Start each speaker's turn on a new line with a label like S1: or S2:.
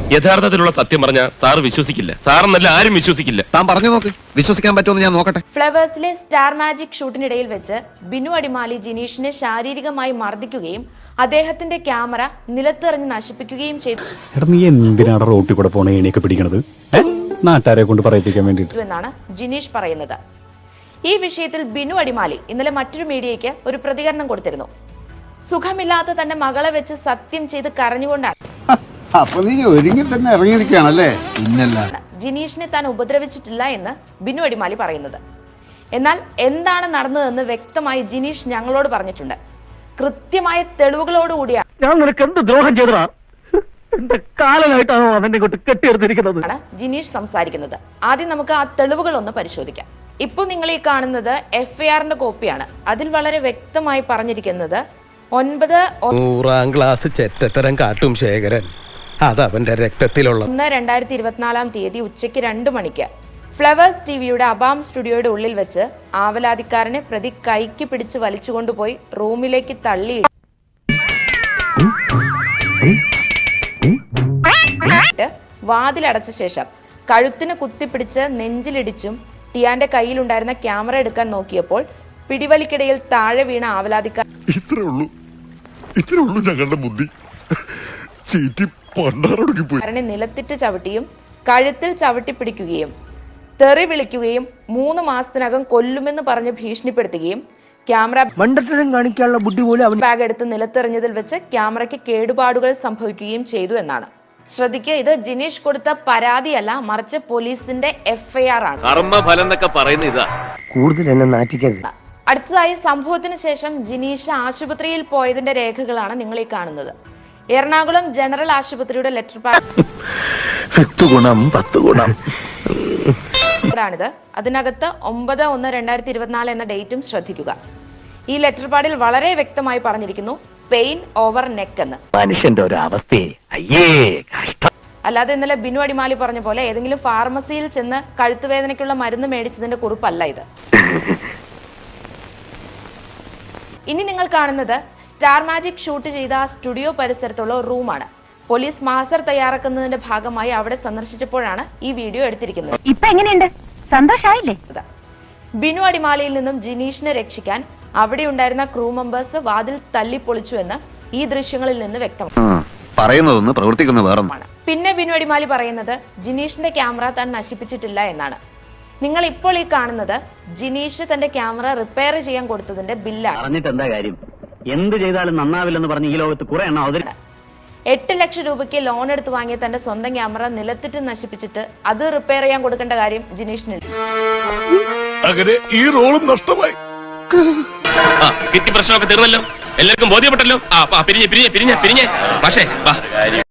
S1: യഥാർത്ഥത്തിലുള്ള സത്യം പറഞ്ഞ സാർ വിശ്വസിക്കില്ല. സാറെന്നല്ല ആരും വിശ്വസിക്കില്ല.
S2: താൻ പറഞ്ഞു നോക്ക്, വിശ്വസിക്കാൻ പറ്റുമെന്ന് ഞാൻ നോക്കട്ടെ.
S3: ഫ്ലവേഴ്സിലെ സ്റ്റാർ മാജിക് ഷൂട്ടിനിടയിൽ വെച്ച് ബിനു അടിമാലി ജിനീഷിനെ ശാരീരികമായി മർദ്ദിക്കുകയും അദ്ദേഹത്തിന്റെ ക്യാമറ നിലത്തെറിഞ്ഞ് നശിപ്പിക്കുകയും ചെയ്തു
S4: നീ എന്തിനാണ് റോട്ടിൽ കൂടെ പോണ എണിയൊക്കെ പിടിക്കണത്? നാട്ടുകാരെ കൊണ്ട് പറയിപ്പിക്കാൻ വേണ്ടിയിട്ട്
S3: എന്നാണ് ജിനീഷ് പറയുന്നത്. ഈ വിഷയത്തിൽ ബിനു അടിമാലി ഇന്നലെ മറ്റൊരു മീഡിയയ്ക്ക് ഒരു പ്രതികരണം കൊടുത്തിരുന്നു. സുഖമില്ലാത്ത തന്റെ മകളെ വെച്ച് സത്യം ചെയ്ത് കരഞ്ഞുകൊണ്ടാണ് ജിനീഷിനെ താൻ ഉപദ്രവിച്ചിട്ടില്ല എന്ന് ബിനു അടിമാലി പറയുന്നത്. എന്നാൽ എന്താണ് നടന്നതെന്ന് വ്യക്തമായി ജിനീഷ് ഞങ്ങളോട് പറഞ്ഞിട്ടുണ്ട്. കൃത്യമായ തെളിവുകളോടുകൂടിയാണ്
S5: ഞാൻ നിനക്ക് എന്ത് ദ്രോഹം ചെയ്തതാ, എന്റെ കാലനായിട്ടാണോ അവനെ കൊണ്ട് കെട്ടിയെടുത്തിരിക്കുന്നത്
S3: ജിനീഷ് സംസാരിക്കുന്നത്. ആദ്യം നമുക്ക് ആ തെളിവുകൾ ഒന്ന് പരിശോധിക്കാം. ഇപ്പോൾ നിങ്ങൾ ഈ കാണുന്നത് FIRന്റെ കോപ്പിയാണ്. അതിൽ വളരെ വ്യക്തമായി പറഞ്ഞിരിക്കുന്നത്
S6: 9 ക്ലാസ് ചെറ്റത്തരം കാട്ടും ശേഖരൻ, അത് അവന്റെ രക്തത്തിലുള്ള
S3: 1/2024 ഉച്ചയ്ക്ക് 2 മണിക്ക് ഫ്ലവേഴ്സ് ടിവിയുടെ അബാം സ്റ്റുഡിയോയുടെ ഉള്ളിൽ വെച്ച് ആവലാതിക്കാരനെ പ്രതി കൈക്ക് പിടിച്ച് വലിച്ചുകൊണ്ടുപോയി റൂമിലേക്ക് തള്ളി വാതിലടച്ച ശേഷം കഴുത്തിന് കുത്തിപ്പിടിച്ച് നെഞ്ചിലിടിച്ചും ടിയാന്റെ കയ്യിലുണ്ടായിരുന്ന ക്യാമറ എടുക്കാൻ നോക്കിയപ്പോൾ പിടിവലിക്കിടയിൽ താഴെ വീണ ആവലാതിക്കാരനെ നിലത്തിട്ട് ചവിട്ടിയും കഴുത്തിൽ ചവിട്ടി പിടിക്കുകയും തെറി വിളിക്കുകയും 3 മാസത്തിനകം കൊല്ലുമെന്ന് പറഞ്ഞ് ഭീഷണിപ്പെടുത്തുകയും ക്യാമറ
S5: കാണിക്കാനുള്ള ബുദ്ധി പോലും
S3: ബാഗ് എടുത്ത് നിലത്തെറിഞ്ഞതിൽ വെച്ച് ക്യാമറയ്ക്ക് കേടുപാടുകൾ സംഭവിക്കുകയും ചെയ്തു എന്നാണ്. ശ്രദ്ധിക്കുക, ഇത് ജിനീഷ് കൊടുത്ത പരാതിയല്ല, മറിച്ച് പോലീസിന്റെ FIR ആണ്. അടുത്തതായി സംഭവത്തിന് ശേഷം ജിനീഷ് ആശുപത്രിയിൽ പോയതിന്റെ രേഖകളാണ് നിങ്ങൾ ഈ കാണുന്നത്. എറണാകുളം ജനറൽ ആശുപത്രിയുടെ ലെറ്റർ പാഡിത്. അതിനകത്ത് 9/1/2024 എന്ന ഡേറ്റും ശ്രദ്ധിക്കുക. ഈ ലെറ്റർ പാഡിൽ വളരെ വ്യക്തമായി പറഞ്ഞിരിക്കുന്നു പെയിൻ ഓവർ നെക്ക് എന്ന്.
S5: മനുഷ്യന്റെ ഒരു അവസ്ഥയെ
S3: അല്ലാതെ ഇന്നലെ ബിനു അടിമാലി പറഞ്ഞ പോലെ ഏതെങ്കിലും ഫാർമസിയിൽ ചെന്ന് കഴുത്തുവേദനയ്ക്കുള്ള മരുന്ന് മേടിച്ചതിന്റെ കുറിപ്പല്ല ഇത്. ഇനി നിങ്ങൾ കാണുന്നത് സ്റ്റാർ മാജിക് ഷൂട്ട് ചെയ്ത സ്റ്റുഡിയോ പരിസരത്തുള്ള റൂമാണ്. പോലീസ് മാസ്റ്റർ തയ്യാറാക്കുന്നതിന്റെ ഭാഗമായി അവിടെ സന്ദർശിച്ചപ്പോഴാണ് ഈ വീഡിയോ എടുത്തിരിക്കുന്നത്.
S7: ഇപ്പൊ എങ്ങനെയുണ്ട്, സന്തോഷായില്ലേ?
S3: ബിനു അടിമാലിയിൽ നിന്നും ജിനീഷിനെ രക്ഷിക്കാൻ അവിടെ ഉണ്ടായിരുന്ന ക്രൂ മെമ്പേഴ്സ് വാതിൽ തല്ലിപ്പൊളിച്ചു എന്ന് ഈ ദൃശ്യങ്ങളിൽ നിന്ന് വ്യക്തമാണ്. പിന്നെ ബിനു അടിമാലി പറയുന്നത് ജിനീഷിന്റെ ക്യാമറ താൻ നശിപ്പിച്ചിട്ടില്ല എന്നാണ്. നിങ്ങൾ ഇപ്പോൾ ഈ കാണുന്നത് ജിനീഷ് തന്റെ ക്യാമറ റിപ്പയർ ചെയ്യാൻ കൊടുത്തതിന്റെ ബില്ലാണ്.
S5: എന്താ കാര്യം, എന്ത് ചെയ്താലും നന്നാവില്ലെന്ന് പറഞ്ഞ് ഈ ലോകത്ത് കുറെ എണ്ണം
S3: 8 ലക്ഷം രൂപയ്ക്ക് ലോൺ എടുത്ത് വാങ്ങിയ തന്റെ സ്വന്തം ക്യാമറ നിലത്തിട്ട് നശിപ്പിച്ചിട്ട് അത് റിപ്പയർ ചെയ്യാൻ കൊടുക്കേണ്ട കാര്യം ജിനീഷിനുണ്ട്.
S1: അങ്ങനെ ഈ റോളും നഷ്ടമായി. കിട്ടി, പ്രശ്നമൊക്കെ തീർന്നല്ലോ, എല്ലാവർക്കും ബോധ്യപ്പെട്ടല്ലോ. പിരിഞ്ഞ് പക്ഷേ